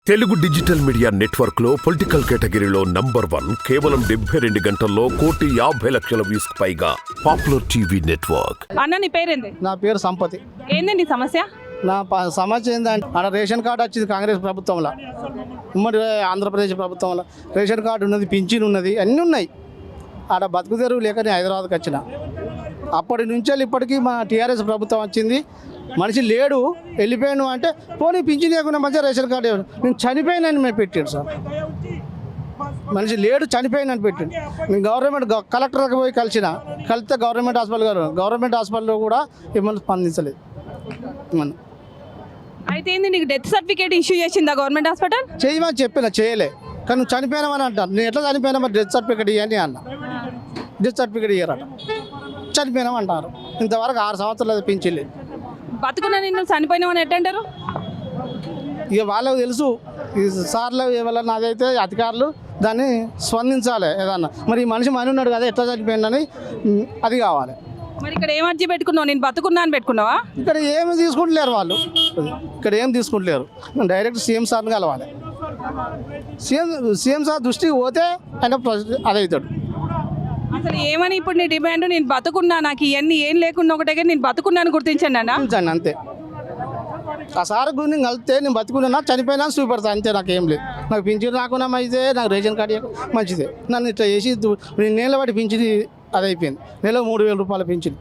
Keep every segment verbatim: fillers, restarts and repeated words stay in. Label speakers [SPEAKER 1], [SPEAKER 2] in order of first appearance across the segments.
[SPEAKER 1] Telugu digital media network లో political కేటగిరీలో number one కేవలం డెబ్బై రెండు గంటల్లో కోటి యాభై లక్షల వ్యూస్ పైగా పాపులర్ టీవీ నెట్వర్క్.
[SPEAKER 2] అన్న నీ పేరేంది?
[SPEAKER 3] నా పేరు సంపతి.
[SPEAKER 2] ఏందండి సమస్య?
[SPEAKER 3] నా ప- సమస్య ఏంటంటే ఆడ రేషన్ కార్డు వచ్చింది కాంగ్రెస్ ప్రభుత్వంలో, ఉమ్మడి ఆంధ్రప్రదేశ్ ప్రభుత్వంలో రేషన్ కార్డు ఉన్నది, పింఛన్ ఉన్నది, అన్నీ ఉన్నాయి. ఆడ బతుకు తెరువు లేక నేను హైదరాబాద్కి వచ్చిన. అప్పటి నుంచి ఇప్పటికీ మా టీఆర్ఎస్ ప్రభుత్వం వచ్చింది. మనిషి లేడు, వెళ్ళిపోయాను అంటే పోనీ పింఛన్ లేకుండా మంచిగా రేషన్ కార్డు ఇవ్వను. నేను చనిపోయినని మేము పెట్టాడు సార్. మనిషి లేడు, చనిపోయినని పెట్టాడు. నేను గవర్నమెంట్ గ- కలెక్టర్కి పోయి కలిసిన, కలిస్తే గవర్నమెంట్ హాస్పిటల్ గారు గవర్నమెంట్ హాస్పిటల్లో కూడా ఏమన్నా స్పందించలేదు. మనం
[SPEAKER 2] అయితే ఏంది నీకు డెత్ సర్టిఫికేట్ ఇష్యూ చేసిందా గవర్నమెంట్ హాస్పిటల్?
[SPEAKER 3] చేయమని చెప్పిన, చేయలే. కానీ నువ్వు చనిపోయినామని అంటాను. నేను ఎట్లా చనిపోయినా మరి డెత్ సర్టిఫికేట్ ఇవ్వండి అన్న. డెత్ సర్టిఫికేట్ ఇయ్యారట, చనిపోయినామంటారు. ఇంతవరకు ఆరు సంవత్సరాలు పింఛన్లేదు.
[SPEAKER 2] బతుకున్నా నిన్ను చనిపోయినామని ఎట్టంటారు?
[SPEAKER 3] ఇక వాళ్ళకు తెలుసు, ఈ సార్లు ఎవరన్నా అదైతే అధికారులు దాన్ని స్పందించాలి ఏదన్నా. మరి ఈ మనిషి మని ఉన్నాడు కదా, ఎట్లా చనిపోయిందని ఉమ్, అది కావాలి.
[SPEAKER 2] మరి ఇక్కడ ఏం అర్జీ పెట్టుకున్నావు? నేను బతుకున్నా అని పెట్టుకున్నావా?
[SPEAKER 3] ఇక్కడ ఏమి తీసుకుంటలేరు వాళ్ళు, ఇక్కడ ఏం తీసుకుంటలేరు. డైరెక్ట్ సీఎం సార్ని కలవాలి. సీఎం సీఎం సార్ దృష్టికి పోతే ఆయన ప్రెసిడెంట్ అదవుతాడు.
[SPEAKER 2] అసలు ఏమని ఇప్పుడు నీ డిమాండ్? నేను బతుకున్నా, నాకు ఇవన్నీ ఏం లేకుండా ఒకటే కానీ నేను బతుకున్నాను గుర్తించండి అన్న.
[SPEAKER 3] చూపించండి అంతే. ఆ సార్ గురించి నేను కలిస్తే నేను బతుకున్నా చనిపోయినా చూపెడతాను అంతే. నాకు ఏం లేదు. నాకు పింఛన్ రాకుండా అయితే నాకు రేషన్ కార్డు ఇవ్వక మంచిదే. నన్ను ఇట్లా చేసి దు- నేను నెల బట్టి పింఛన్ అది అయిపోయింది. నెల మూడు వేల రూపాయల పింఛన్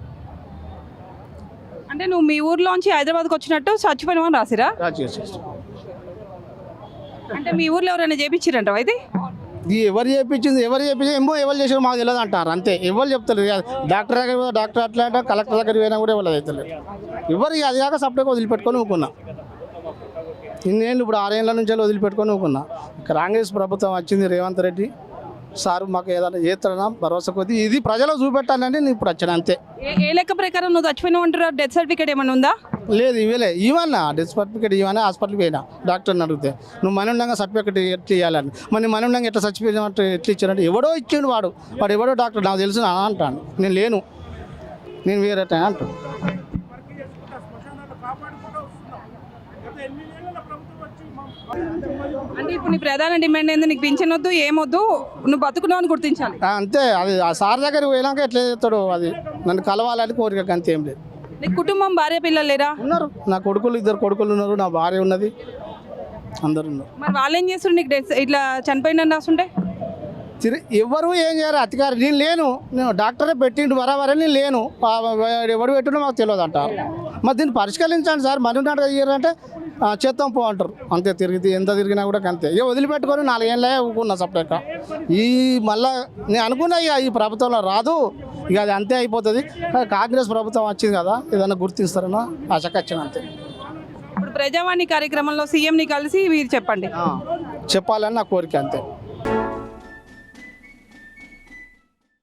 [SPEAKER 2] అంటే నువ్వు మీ ఊర్లోంచి హైదరాబాద్కి వచ్చినట్టు చచ్చిపోయినామని రాసిరా?
[SPEAKER 3] రాజకీయ.
[SPEAKER 2] అంటే మీ ఊర్లో ఎవరైనా చేపించిరంటావా అయితే?
[SPEAKER 3] ఇది ఎవరు చేయించింది, ఎవరు చేయించింది ఏమో, ఎవరు చేసారో మాకు తెలియదు అంటారు అంతే. ఎవరు చెప్తారు? డాక్టర్ దగ్గర పోయి డాక్టర్ అట్లా అంటారు, కలెక్టర్ దగ్గర పోయినా కూడా ఎవరు అవుతలేదు. ఎవరు అది కాక సపరేట్గా వదిలిపెట్టుకొని ఊకున్నా. ఇన్నేళ్ళు ఇప్పుడు ఆరేళ్ళ నుంచి వదిలిపెట్టుకొని ఊకున్నా. కాంగ్రెస్ ప్రభుత్వం వచ్చింది, రేవంత్ రెడ్డి సారు మాకు ఏదైనా చేస్తాడన్నా భరోసా కొద్ది ఇది ప్రజలకు చూపెట్టాలని నేను ఇప్పుడు వచ్చాను అంతే.
[SPEAKER 2] ఏ ఏ లెక్క ప్రకారం నువ్వు చచ్చిపోయినావు అంటారు? డెత్ సర్టిఫికేట్ ఏమైనా ఉందా?
[SPEAKER 3] లేదు ఇవ్వలే. ఇవన్నా డెత్ సర్టిఫికేట్ ఇవ్వని హాస్పిటల్కి పోయినా డాక్టర్ని అడిగితే నువ్వు మన ఉండగా సర్టిఫికేట్ ఎట్లా ఇవ్వాలని. మరి మన ఉండగా ఎట్లా చచ్చిపోయినట్టు ఎట్లా ఇచ్చారంటే ఎవడో ఇచ్చిండు వాడు వాడు ఎవడో డాక్టర్ నాకు తెలుసు అని అంటాను. నేను లేను, నేను వేరే అంటాను.
[SPEAKER 2] అంటే ఇప్పుడు నీ ప్రధాన డిమాండ్ ఏంది? నీకు పింఛన్ వద్దు, ఏమొద్దు, నువ్వు బతుకున్నావు అని గుర్తించాలి.
[SPEAKER 3] ఆ, అంతే. అది ఆ సార్ దగ్గరికి పోయినాక ఎట్లా చేస్తాడు, అది నన్ను కలవాలని కోరిక అంతే, ఏం లేదు.
[SPEAKER 2] నీకు కుటుంబం, భార్య, పిల్లలు లేరా?
[SPEAKER 3] ఉన్నారు, నా కొడుకులు ఇద్దరు కొడుకులు ఉన్నారు, నా భార్య ఉన్నది, అందరు ఉన్నారు.
[SPEAKER 2] మరి వాళ్ళు ఏం చేస్తారు? నీకు డెత్ ఇట్లా చనిపోయిందని రాస్తుంటే
[SPEAKER 3] తిరిగి ఎవరు ఏం చేయరు అధికారి. నేను లేను, నేను డాక్టరే పెట్టిండు బరాబరే, నేను లేను. ఆ, ఎవడు పెట్టిండో మాకు తెలియదు అంటారు. మరి దీన్ని పరిష్కరించండి సార్. మరి నాటక ఇయ్యారంటే చేద్దాం పో అంటారు అంతే. తిరిగి ఎంత తిరిగినా కూడా అంతే. ఇక వదిలిపెట్టుకొని నాలుగేళ్ళే ఊకున్నా సపరేట్గా. ఈ మళ్ళా నేను అనుకున్నా ఇక ఈ ప్రభుత్వంలో రాదు, ఇక అది అంతే అయిపోతుంది. కాంగ్రెస్ ప్రభుత్వం వచ్చింది కదా, ఏదైనా గుర్తిస్తారన్నా ఆశకు వచ్చిన అంతే.
[SPEAKER 2] ఇప్పుడు ప్రజావాణి కార్యక్రమంలో సీఎంని కలిసి మీరు చెప్పండి.
[SPEAKER 3] చెప్పాలని నా కోరిక అంతే.